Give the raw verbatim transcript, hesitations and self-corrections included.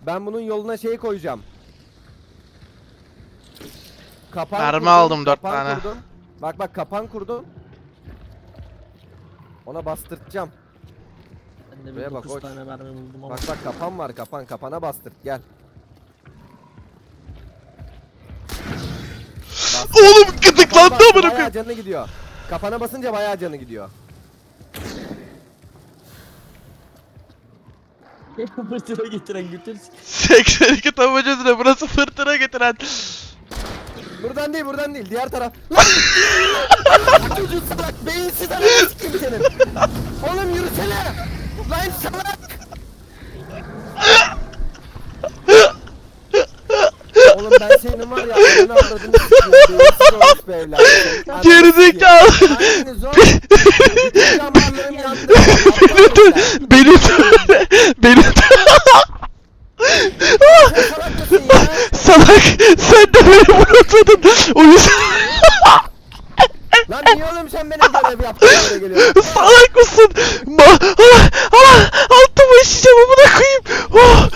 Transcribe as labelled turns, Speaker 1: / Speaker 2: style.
Speaker 1: Ben bunun yoluna şey koyacağım. Kapan
Speaker 2: Mermi
Speaker 1: kurdum,
Speaker 2: aldım dört
Speaker 1: kapan
Speaker 2: tane.
Speaker 1: Kurdum. Bak bak kapan kurdum. Ona bastırtacağım.
Speaker 3: Ben de
Speaker 1: Buraya
Speaker 3: bir
Speaker 1: bak,
Speaker 3: dokuz
Speaker 1: koç.
Speaker 3: tane mermi buldum ama.
Speaker 1: Bak bak kapan var, kapan kapana bastırt gel. Bastır.
Speaker 2: Oğlum
Speaker 1: Kapan
Speaker 2: gıdıklandı
Speaker 1: bastı,
Speaker 2: amına
Speaker 1: bayağı
Speaker 2: koyayım.
Speaker 1: canı gidiyor. Kapana basınca bayağı canı gidiyor.
Speaker 3: Fırtına getiren götür.
Speaker 2: seksen iki tabancasına burası fırtına getiren.
Speaker 1: Buradan değil, buradan değil, diğer taraf. Lan! Çocuğu salak, beyinsiz ananı sikeyim senin. Oğlum yürüsene. Lan salak. Oğlum ben senin var ya, ananı avradını sikeyim. Beyinsiz olmuş be evlat. Ananı
Speaker 2: Gerizekalı.
Speaker 1: sikeyim. Hanginiz o? Bütün damarlarım yandı.
Speaker 2: Beni de, beni de, beni de.
Speaker 1: Sen salak mısın ya?
Speaker 2: Salak, sen de beni bırakmadın. O yüzden
Speaker 1: Lan niye oğlum sen benim görev yaptığın yere geliyorsun?
Speaker 2: salak mısın? Ma, ah, ah, altıma işeceğim amına koyayım. Oh,